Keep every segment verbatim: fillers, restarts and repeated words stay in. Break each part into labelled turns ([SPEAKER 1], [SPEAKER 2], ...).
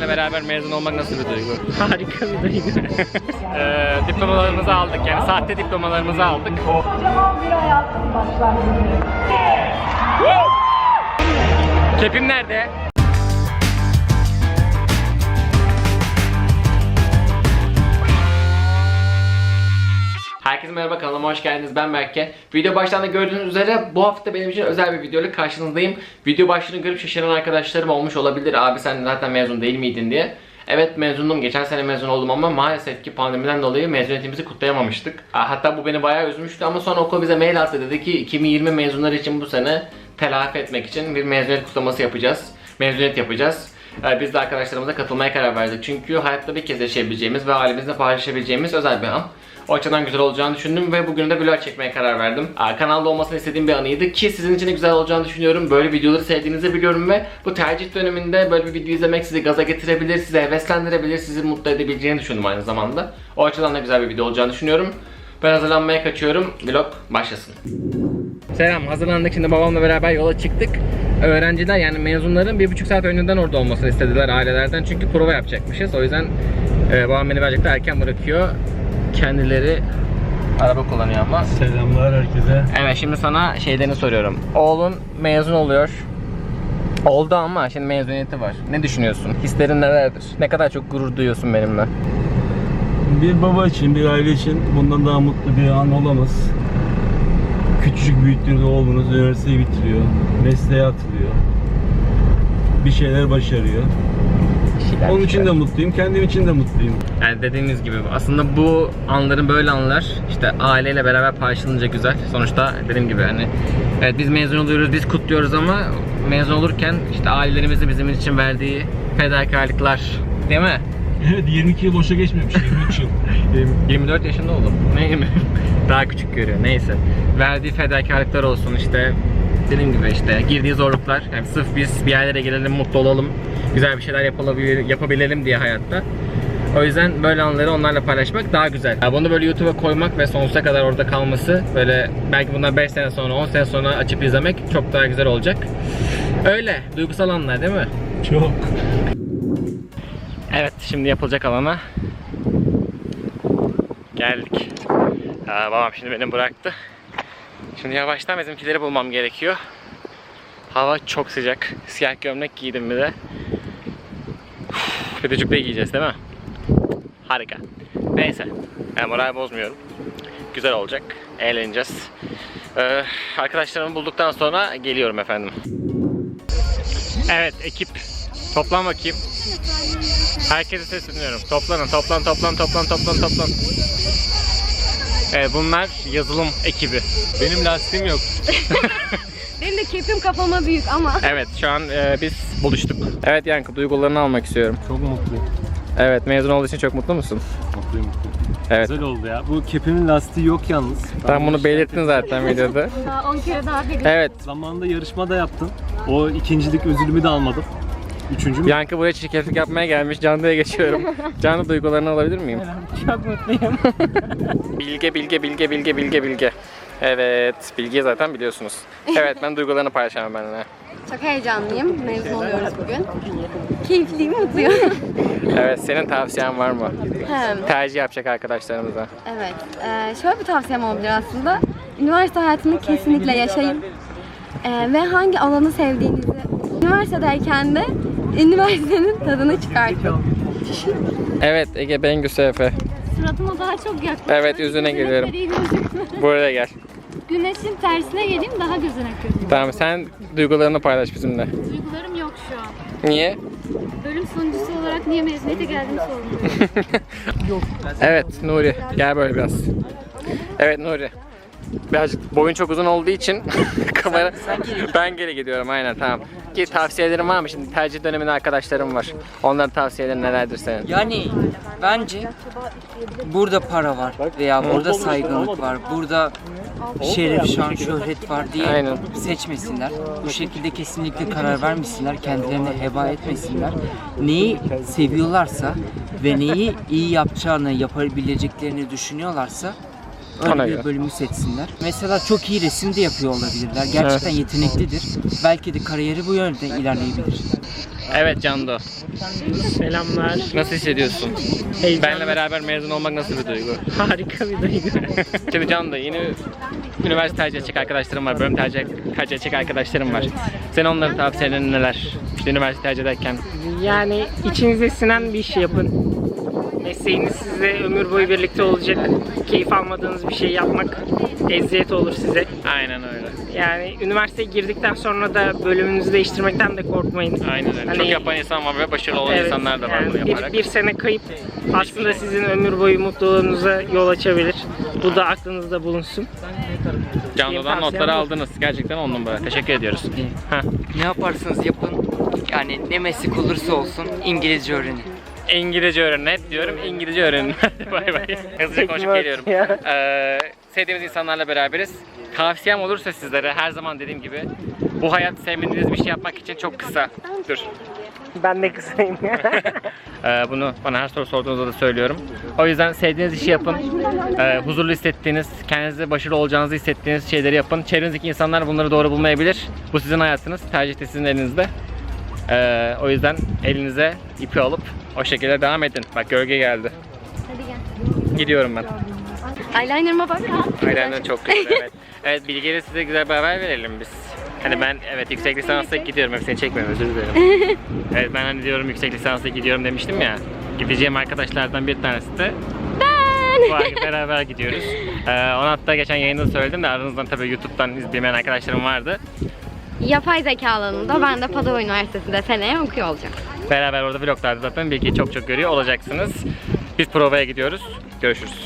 [SPEAKER 1] Senle beraber mezun olmak nasıl bir duygu?
[SPEAKER 2] Harika bir duygu.
[SPEAKER 1] Ee, diplomalarımızı aldık, yani sahte diplomalarımızı aldık.
[SPEAKER 3] Kocaman bir hayatın başlangıcı.
[SPEAKER 1] Kepim nerede? Herkese merhaba, kanalıma hoş geldiniz. Ben Berke. Video baştan da gördüğünüz üzere bu hafta benim için özel bir videoyla karşınızdayım. Video başlığını görüp şaşıran arkadaşlarım olmuş olabilir. Abi sen zaten mezun değil miydin diye. Evet, mezundum. Geçen sene mezun oldum ama maalesef ki pandemiden dolayı mezuniyetimizi kutlayamamıştık. Hatta bu beni bayağı üzmüştü ama sonra okul bize mail attı, dedi ki iki bin yirmi mezunlar için bu sene telafi etmek için bir mezuniyet kutlaması yapacağız. Mezuniyet yapacağız. Biz de arkadaşlarımıza katılmaya karar verdik. Çünkü hayatta bir kez yaşayabileceğimiz ve ailemizle paylaşabileceğimiz özel bir an. O açıdan güzel olacağını düşündüm ve bugün de vlog çekmeye karar verdim. Kanalda olmasını istediğim bir anıydı ki sizin için de güzel olacağını düşünüyorum. Böyle videoları sevdiğinizi biliyorum ve bu tercih döneminde böyle bir video izlemek sizi gaza getirebilir, sizi heveslendirebilir, sizi mutlu edebileceğini düşündüm aynı zamanda. O açıdan da güzel bir video olacağını düşünüyorum. Ben hazırlanmaya kaçıyorum. Vlog başlasın. Selam, hazırlandık. Şimdi babamla beraber yola çıktık. Öğrenciler, yani mezunların bir buçuk saat önceden orada olmasını istediler ailelerden. Çünkü prova yapacakmışız. O yüzden e, babam beni birazcık da erken bırakıyor. Kendileri araba kullanıyor ama.
[SPEAKER 2] Selamlar herkese.
[SPEAKER 1] Evet, şimdi sana şeylerini soruyorum. Oğlun mezun oluyor. Oldu ama şimdi mezuniyeti var. Ne düşünüyorsun? Hislerin nelerdir? Ne kadar çok gurur duyuyorsun benimle?
[SPEAKER 2] Bir baba için, bir aile için bundan daha mutlu bir an olamaz. Küçücük büyüttüğünüz oğlunuz üniversiteyi bitiriyor, mesleğe atılıyor, bir şeyler başarıyor. Onun için de mutluyum, kendim için de mutluyum.
[SPEAKER 1] Yani dediğiniz gibi aslında bu anların, böyle anlar işte aileyle beraber paylaşılınca güzel. Sonuçta dediğim gibi hani evet, biz mezun oluyoruz, biz kutluyoruz ama mezun olurken işte ailelerimizin bizim için verdiği fedakarlıklar, değil mi?
[SPEAKER 2] Evet, yirmi iki yıl boşa geçmemiş, yirmi üç yıl.
[SPEAKER 1] yirmi dört yaşında oldum. Ne mi? Daha küçük görüyor. Neyse. Verdiği fedakarlıklar olsun işte. Dediğim gibi işte girdiği zorluklar. Yani sırf biz bir yerlere gelelim, mutlu olalım, güzel bir şeyler yapabilir, yapabilelim diye hayatta. O yüzden böyle anları onlarla paylaşmak daha güzel. Yani bunu böyle YouTube'a koymak ve sonsuza kadar orada kalması, böyle belki bundan beş sene sonra, on sene sonra açıp izlemek çok daha güzel olacak. Öyle. Duygusal anlar değil mi?
[SPEAKER 2] Çok.
[SPEAKER 1] Evet, şimdi yapılacak alana geldik. Aa, babam şimdi beni bıraktı. Şimdi yavaştan bizimkileri bulmam gerekiyor. Hava çok sıcak. Siyah gömlek giydim bir de. Uf, bir de cübbe giyeceğiz değil mi? Harika. Neyse. Yani moral bozmuyorum. Güzel olacak. Eğleneceğiz. Ee, arkadaşlarımı bulduktan sonra geliyorum efendim. Evet ekip. Toplan bakayım. Herkese sesleniyorum. Toplanın, toplan, toplan, toplan, toplan, toplan. Evet, bunlar yazılım ekibi. Benim lastiğim yok.
[SPEAKER 4] Benim de kepim kafama büyük ama.
[SPEAKER 1] Evet, şu an e, biz buluştuk. Evet Yankı, duygularını almak istiyorum.
[SPEAKER 2] Çok mutluyum.
[SPEAKER 1] Evet, mezun olduğu için çok mutlu musun?
[SPEAKER 2] Mutluyum, mutluyum.
[SPEAKER 1] Evet.
[SPEAKER 2] Güzel oldu ya. Bu kepimin lastiği yok yalnız.
[SPEAKER 1] Sen bunu belirttin zaten videoda.
[SPEAKER 4] Daha on kere daha belirttim.
[SPEAKER 1] Evet.
[SPEAKER 2] Zamanında yarışma da yaptın. O ikincilik ödülümü de almadım. Üçüncü mü?
[SPEAKER 1] Yankı buraya çirkeflik yapmaya gelmiş. Canlı'ya geçiyorum. Canlı, duygularını alabilir miyim?
[SPEAKER 4] Çok mutluyum.
[SPEAKER 1] Bilge, Bilge, Bilge, Bilge, Bilge, Bilge. Evet, Bilge'yi zaten biliyorsunuz. Evet, ben duygularını paylaşamam benimle.
[SPEAKER 4] Çok heyecanlıyım. Mezun oluyoruz bugün. Keyifliyim, mutluyum.
[SPEAKER 1] Evet, senin tavsiyen var mı?
[SPEAKER 4] Hem,
[SPEAKER 1] Tercih yapacak arkadaşlarımıza.
[SPEAKER 4] evet. Ee, şöyle bir tavsiyem olabilir aslında. Üniversite hayatını kesinlikle yaşayın. Ee, ve hangi alanı sevdiğinizi üniversitedeyken de üniversitenin tadını çıkartın.
[SPEAKER 1] Evet, Ege Bengüsü Efe.
[SPEAKER 5] Suratıma daha çok yaklaşıyor.
[SPEAKER 1] Evet, yüzüne geliyorum. Buraya gel.
[SPEAKER 5] Güneşin tersine geleyim, daha gözüne gözüküyor.
[SPEAKER 1] Tamam, sen duygularını paylaş bizimle.
[SPEAKER 5] Duygularım yok şu an.
[SPEAKER 1] Niye?
[SPEAKER 5] Bölüm sonuncusu olarak niye mezuniyete geldiğimi sorguluyorum.
[SPEAKER 1] Evet Nuri, gel böyle biraz. Evet Nuri. Birazcık boyun çok uzun olduğu için kamera ben geri gidiyorum, aynen, tamam. Ki tavsiyelerin var mı? Şimdi tercih döneminde arkadaşlarım var. Onların tavsiyeleri nelerdir senin?
[SPEAKER 6] Yani bence burada para var veya burada saygınlık var, burada şeref, şan, şöhret var diye
[SPEAKER 1] Aynen.
[SPEAKER 6] seçmesinler. Bu şekilde kesinlikle karar vermesinler, kendilerine heba etmesinler. Neyi seviyorlarsa ve neyi iyi yapacağını, yapabileceklerini düşünüyorlarsa Öyle
[SPEAKER 1] Ona
[SPEAKER 6] bir
[SPEAKER 1] göre.
[SPEAKER 6] bölümü seçsinler. Mesela çok iyi resim de yapıyor olabilirler. Gerçekten yeteneklidir. Belki de kariyeri bu yönde ilerleyebilir.
[SPEAKER 1] Evet Cando.
[SPEAKER 7] Selamlar.
[SPEAKER 1] Nasıl hissediyorsun?
[SPEAKER 7] Heyecanlı.
[SPEAKER 1] Benle beraber mezun olmak nasıl bir duygu?
[SPEAKER 7] Harika bir duygu.
[SPEAKER 1] Şimdi Cando yeni üniversite tercih edecek arkadaşlarım var. Bölüm tercih, tercih edecek arkadaşlarım var. Senin onların tavsiyelerin neler? İşte üniversite tercih ederken.
[SPEAKER 7] Yani içinize sinen bir iş yapın. Mesleğiniz size ömür boyu birlikte olacak. Keyif almadığınız bir şey yapmak eziyet olur size.
[SPEAKER 1] Aynen öyle.
[SPEAKER 7] Yani üniversiteye girdikten sonra da bölümünüzü değiştirmekten de korkmayın.
[SPEAKER 1] Aynen öyle.
[SPEAKER 7] Hani-
[SPEAKER 1] Çok yapan insan var ve başarılı olan
[SPEAKER 7] Evet,
[SPEAKER 1] insanlar da var
[SPEAKER 7] yani
[SPEAKER 1] bunu yaparak.
[SPEAKER 7] bir, bir sene kayıp aslında sizin ömür boyu mutluluğunuza yol açabilir. Bu da aklınızda bulunsun.
[SPEAKER 1] Cando'dan
[SPEAKER 7] Benim
[SPEAKER 1] notları
[SPEAKER 7] tavsiyem bu.
[SPEAKER 1] aldınız. Gerçekten on numara. Teşekkür ediyoruz. Heh.
[SPEAKER 6] Ne yaparsanız yapın. Yani ne meslek olursa olsun İngilizce öğrenin.
[SPEAKER 1] İngilizce öğrenin. Hep diyorum İngilizce öğrenin. Hadi bay bay. Hızlıca konuşup geliyorum. Ee, sevdiğimiz insanlarla beraberiz. Tavsiyem olursa sizlere her zaman dediğim gibi bu hayat sevmediğiniz bir şey yapmak için çok kısa. Dur.
[SPEAKER 7] Ben de kısayım.
[SPEAKER 1] Ee, bunu bana her soru sorduğunuzda da söylüyorum. O yüzden sevdiğiniz işi yapın. Ee, huzurlu hissettiğiniz, kendinize başarılı olacağınızı hissettiğiniz şeyleri yapın. Çevrenizdeki insanlar bunları doğru bulmayabilir. Bu sizin hayatınız. Tercih de sizin elinizde. Ee, o yüzden elinize ipi alıp o şekilde devam edin. Bak gölge geldi.
[SPEAKER 4] Hadi gel.
[SPEAKER 1] Gidiyorum ben.
[SPEAKER 4] Eyeliner'ıma bak.
[SPEAKER 1] Aynen çok güzel. Evet. Evet Bilge'yle size güzel bir haber verelim biz. Hani ben evet yüksek lisansa gidiyorum. Hepsini çekmiyorum, özür dilerim. Evet ben hani diyorum yüksek lisansa gidiyorum demiştim ya. Gideceğim arkadaşlardan bir tanesi de bu ay beraber gidiyoruz. Ee, onu hatta geçen yayında söyledim de aranızdan tabii YouTube'dan izlemeyen arkadaşlarım vardı.
[SPEAKER 4] Yapay zeka alanında ben de Padova Üniversitesi'nde seneye okuyor olacağım.
[SPEAKER 1] Beraber orada vloglarda zaten Bilge'yi çok çok görüyor olacaksınız. Biz provaya gidiyoruz. Görüşürüz.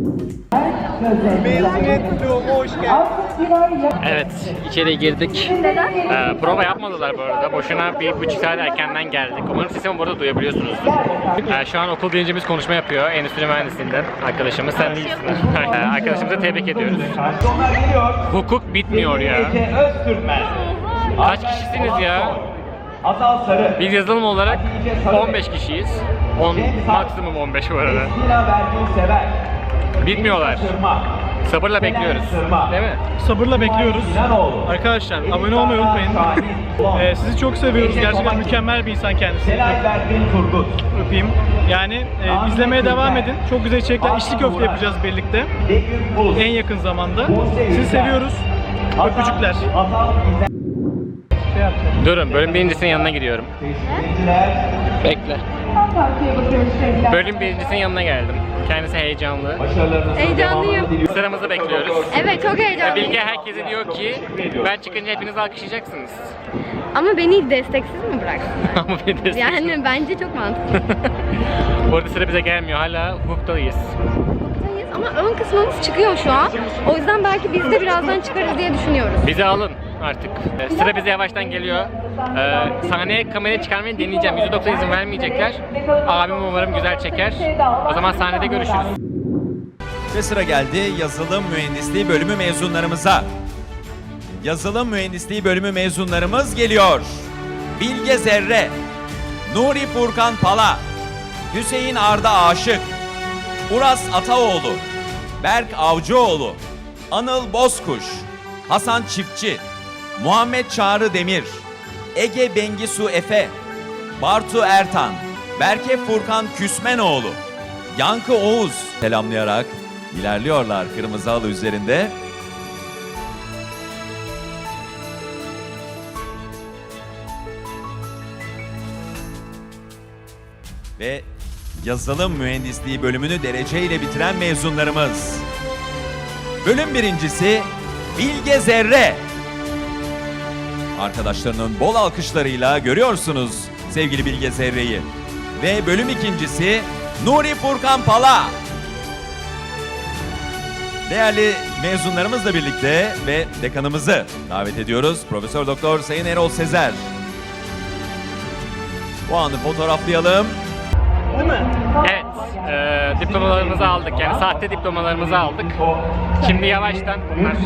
[SPEAKER 1] Evet, içeri girdik. Ee, prova yapmadılar bu arada. Boşuna bir buçuk saat erkenden geldik. Umarım sesimi burada duyabiliyorsunuzdur. Ee, şu an okul birincimiz konuşma yapıyor. Endüstri mühendisliğinden arkadaşımız. Sen değilsin. Ee, arkadaşımızı tebrik ediyoruz. Hukuk bitmiyor ya. Kaç kişisiniz ya? Biz yazılım olarak on beş kişiyiz. on, maksimum on beş bu arada. Bitmiyorlar. Sabırla bekliyoruz. Değil mi?
[SPEAKER 8] Sabırla bekliyoruz. Arkadaşlar abone olmayı unutmayın. Ee, sizi çok seviyoruz. Gerçekten mükemmel bir insan kendisi. Öpeyim. Yani e, izlemeye devam edin. Çok güzel içerikler. İçli köfte yapacağız birlikte. En yakın zamanda. Sizi seviyoruz. Öpücükler.
[SPEAKER 1] Durun, bölüm birincisinin yanına gidiyorum. Bekle. Bölüm birincisinin yanına geldim. Kendisi heyecanlı.
[SPEAKER 4] Heyecanlıyım.
[SPEAKER 1] Sıramızı bekliyoruz.
[SPEAKER 4] Evet çok
[SPEAKER 1] Ve
[SPEAKER 4] heyecanlıyım.
[SPEAKER 1] Bilge herkese diyor ki ben çıkınca hepiniz alkışlayacaksınız.
[SPEAKER 4] Ama beni desteksiz mi bıraksın?
[SPEAKER 1] Ama bir de
[SPEAKER 4] Yani bence çok mantıklı.
[SPEAKER 1] Bu arada sıra bize gelmiyor. Hala hukuktayız.
[SPEAKER 4] Ama ön kısmımız çıkıyor şu an. O yüzden belki biz de birazdan çıkarız diye düşünüyoruz.
[SPEAKER 1] Bizi alın artık. Ee, Sıra bize yavaştan geliyor. Ee, sahneye kamerayı çıkarmayı deneyeceğim. yüzde doksan izin vermeyecekler. Abim umarım güzel çeker. O zaman sahnede görüşürüz.
[SPEAKER 9] Ve sıra geldi yazılım mühendisliği bölümü mezunlarımıza. Yazılım mühendisliği bölümü mezunlarımız geliyor. Bilge Zerre, Nuri Furkan Pala, Hüseyin Arda Aşık, Uras Ataoğlu, Berk Avcıoğlu, Anıl Bozkuş, Hasan Çiftçi, Muhammed Çağrı Demir, Ege Bengisu Efe, Bartu Ertan, Berke Furkan Küsmenoğlu, Yankı Oğuz selamlayarak ilerliyorlar kırmızı halı üzerinde. Ve yazılım mühendisliği bölümünü dereceyle bitiren mezunlarımız. Bölüm birincisi Bilge Zerre. Arkadaşlarının bol alkışlarıyla görüyorsunuz sevgili Bilge Zerre'yi. Ve bölüm ikincisi Nuri Furkan Pala. Değerli mezunlarımızla birlikte ve dekanımızı davet ediyoruz. Profesör Doktor Sayın Erol Sezer. Bu anı fotoğraflayalım.
[SPEAKER 1] Evet, e, diplomalarımızı aldık. Yani sahte diplomalarımızı aldık. Şimdi yavaştan bunlar.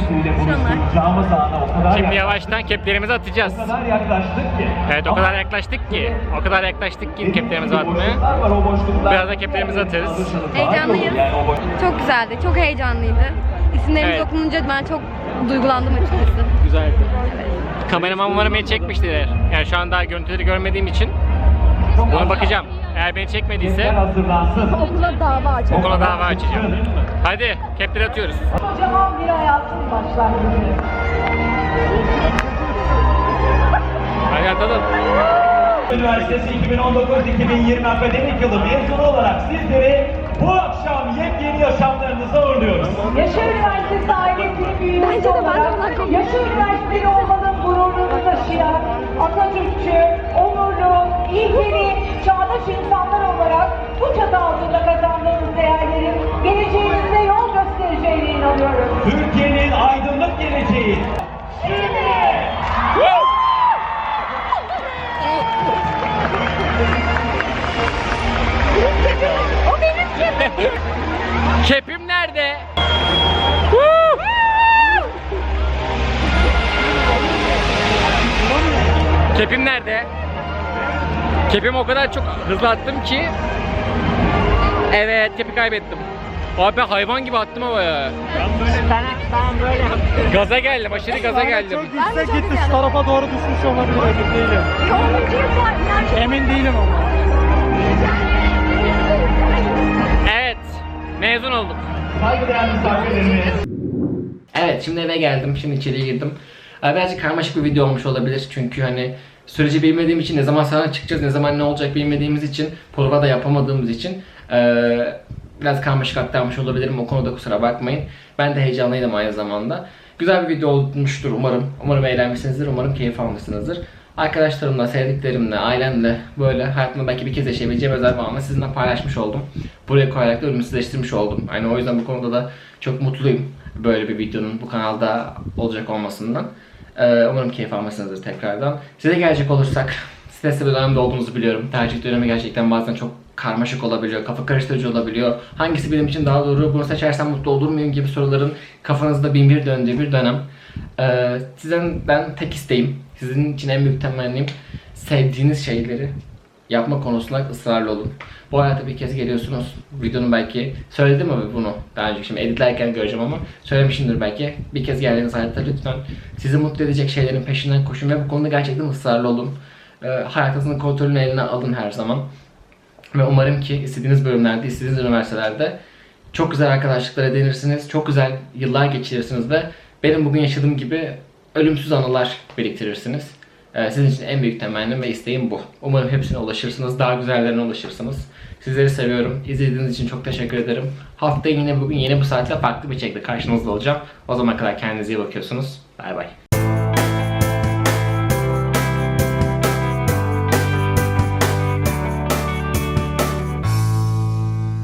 [SPEAKER 1] Şimdi yavaştan keplerimizi atacağız. Evet, o kadar yaklaştık ki, o kadar yaklaştık ki keplerimizi atmaya. Biraz da keplerimizi atarız.
[SPEAKER 4] Heyecanlıyız. Çok güzeldi, çok heyecanlıydı. isimlerimiz
[SPEAKER 7] Evet.
[SPEAKER 4] okununca ben çok duygulandım açıkçası.
[SPEAKER 7] Güzeldi. Kameraman umarım beni çekmiştir. Yani şu an daha görüntüleri görmediğim için ona bakacağım. Eğer beni çekmediyse
[SPEAKER 3] Okula dava açalım.
[SPEAKER 7] okula dava açacağım. Hadi kepleri atıyoruz.
[SPEAKER 3] Kocaman bir hayatın başlangıcı.
[SPEAKER 7] Hadi atalım.
[SPEAKER 10] Üniversitesi iki bin on dokuz iki bin yirmi akademik yılı mezunu olarak sizleri bu akşam yepyeni yaşamlarınıza uğurluyoruz.
[SPEAKER 3] Yaşar Üniversitesi ailesinin büyüğü
[SPEAKER 4] Bence de ben de
[SPEAKER 3] olarak
[SPEAKER 4] bundan korkuyorum.
[SPEAKER 3] Yaşar Üniversiteli olmanın gururunu taşıyan Atatürkçü, onurlu, ilkeli, çağdaş insanlar olarak bu çatı altında kazandığınız değerlerin geleceğinizde yol göstereceğine inanıyorum.
[SPEAKER 10] Türkiye'nin aydınlık geleceği.
[SPEAKER 3] Şimdi
[SPEAKER 4] O benim kepim.
[SPEAKER 7] Kepim nerede? Kepim nerede? Kepimi o kadar çok hızlı attım ki. Evet, kepi kaybettim. Abi ben hayvan gibi attım havaya. Ben, ben böyle gaza geldim, aşırı gaza geldim.
[SPEAKER 8] Yüksek gitti şu tarafa doğru düşmüş olabilir, emin değilim. Emin değilim ama.
[SPEAKER 7] Evet, mezun oldum.
[SPEAKER 10] Saygıdeğer misafirlerimiz.
[SPEAKER 1] Evet, şimdi eve geldim. Şimdi içeriye girdim. Ee, Birazcık karmaşık bir video olmuş olabilir. Çünkü hani süreci bilmediğim için, ne zaman sana çıkacağız, ne zaman ne olacak bilmediğimiz için, prova da yapamadığımız için ee, biraz karmaşık aktarmış olabilirim. O konuda kusura bakmayın. Ben de heyecanlıydım aynı zamanda. Güzel bir video olmuştur umarım. Umarım eğlenmişsinizdir. Umarım keyif almışsınızdır. Arkadaşlarımla, sevdiklerimle, ailemle böyle hayatımda belki bir kez yaşayabileceğim özel bir anı sizinle paylaşmış oldum. Buraya koyarak da ölümsüzleştirmiş oldum. Yani o yüzden bu konuda da çok mutluyum. Böyle bir videonun bu kanalda olacak olmasından. Ee, umarım keyif almışsınızdır tekrardan. Size gelecek olursak, stresli bir dönemde olduğunuzu biliyorum. Tercih dönemi gerçekten bazen çok karmaşık olabiliyor, kafa karıştırıcı olabiliyor. Hangisi benim için daha doğru, bunu seçersem mutlu olur muyum gibi soruların kafanızda bin bir döndüğü bir dönem. Ee, sizden ben tek isteğim, sizin için en büyük temennim sevdiğiniz şeyleri yapma konusunda ısrarlı olun. Bu hayata bir kez geliyorsunuz. Videonun belki söyledim mi bunu daha önce, şimdi editlerken göreceğim ama söylemişimdir belki. Bir kez geldiğiniz hayatta lütfen sizi mutlu edecek şeylerin peşinden koşun ve bu konuda gerçekten ısrarlı olun. Ee, hayatınızın kontrolünü eline alın her zaman. Ve umarım ki istediğiniz bölümlerde, istediğiniz üniversitelerde çok güzel arkadaşlıklar edinirsiniz, çok güzel yıllar geçirirsiniz ve benim bugün yaşadığım gibi ölümsüz anılar biriktirirsiniz. Ee, sizin için en büyük temennim ve isteğim bu. Umarım hepsine ulaşırsınız, daha güzellerine ulaşırsınız. Sizleri seviyorum. İzlediğiniz için çok teşekkür ederim. Haftaya yine bugün yeni bu saatte farklı bir şekilde karşınızda olacağım. O zamana kadar kendinize iyi bakıyorsunuz. Bay bay.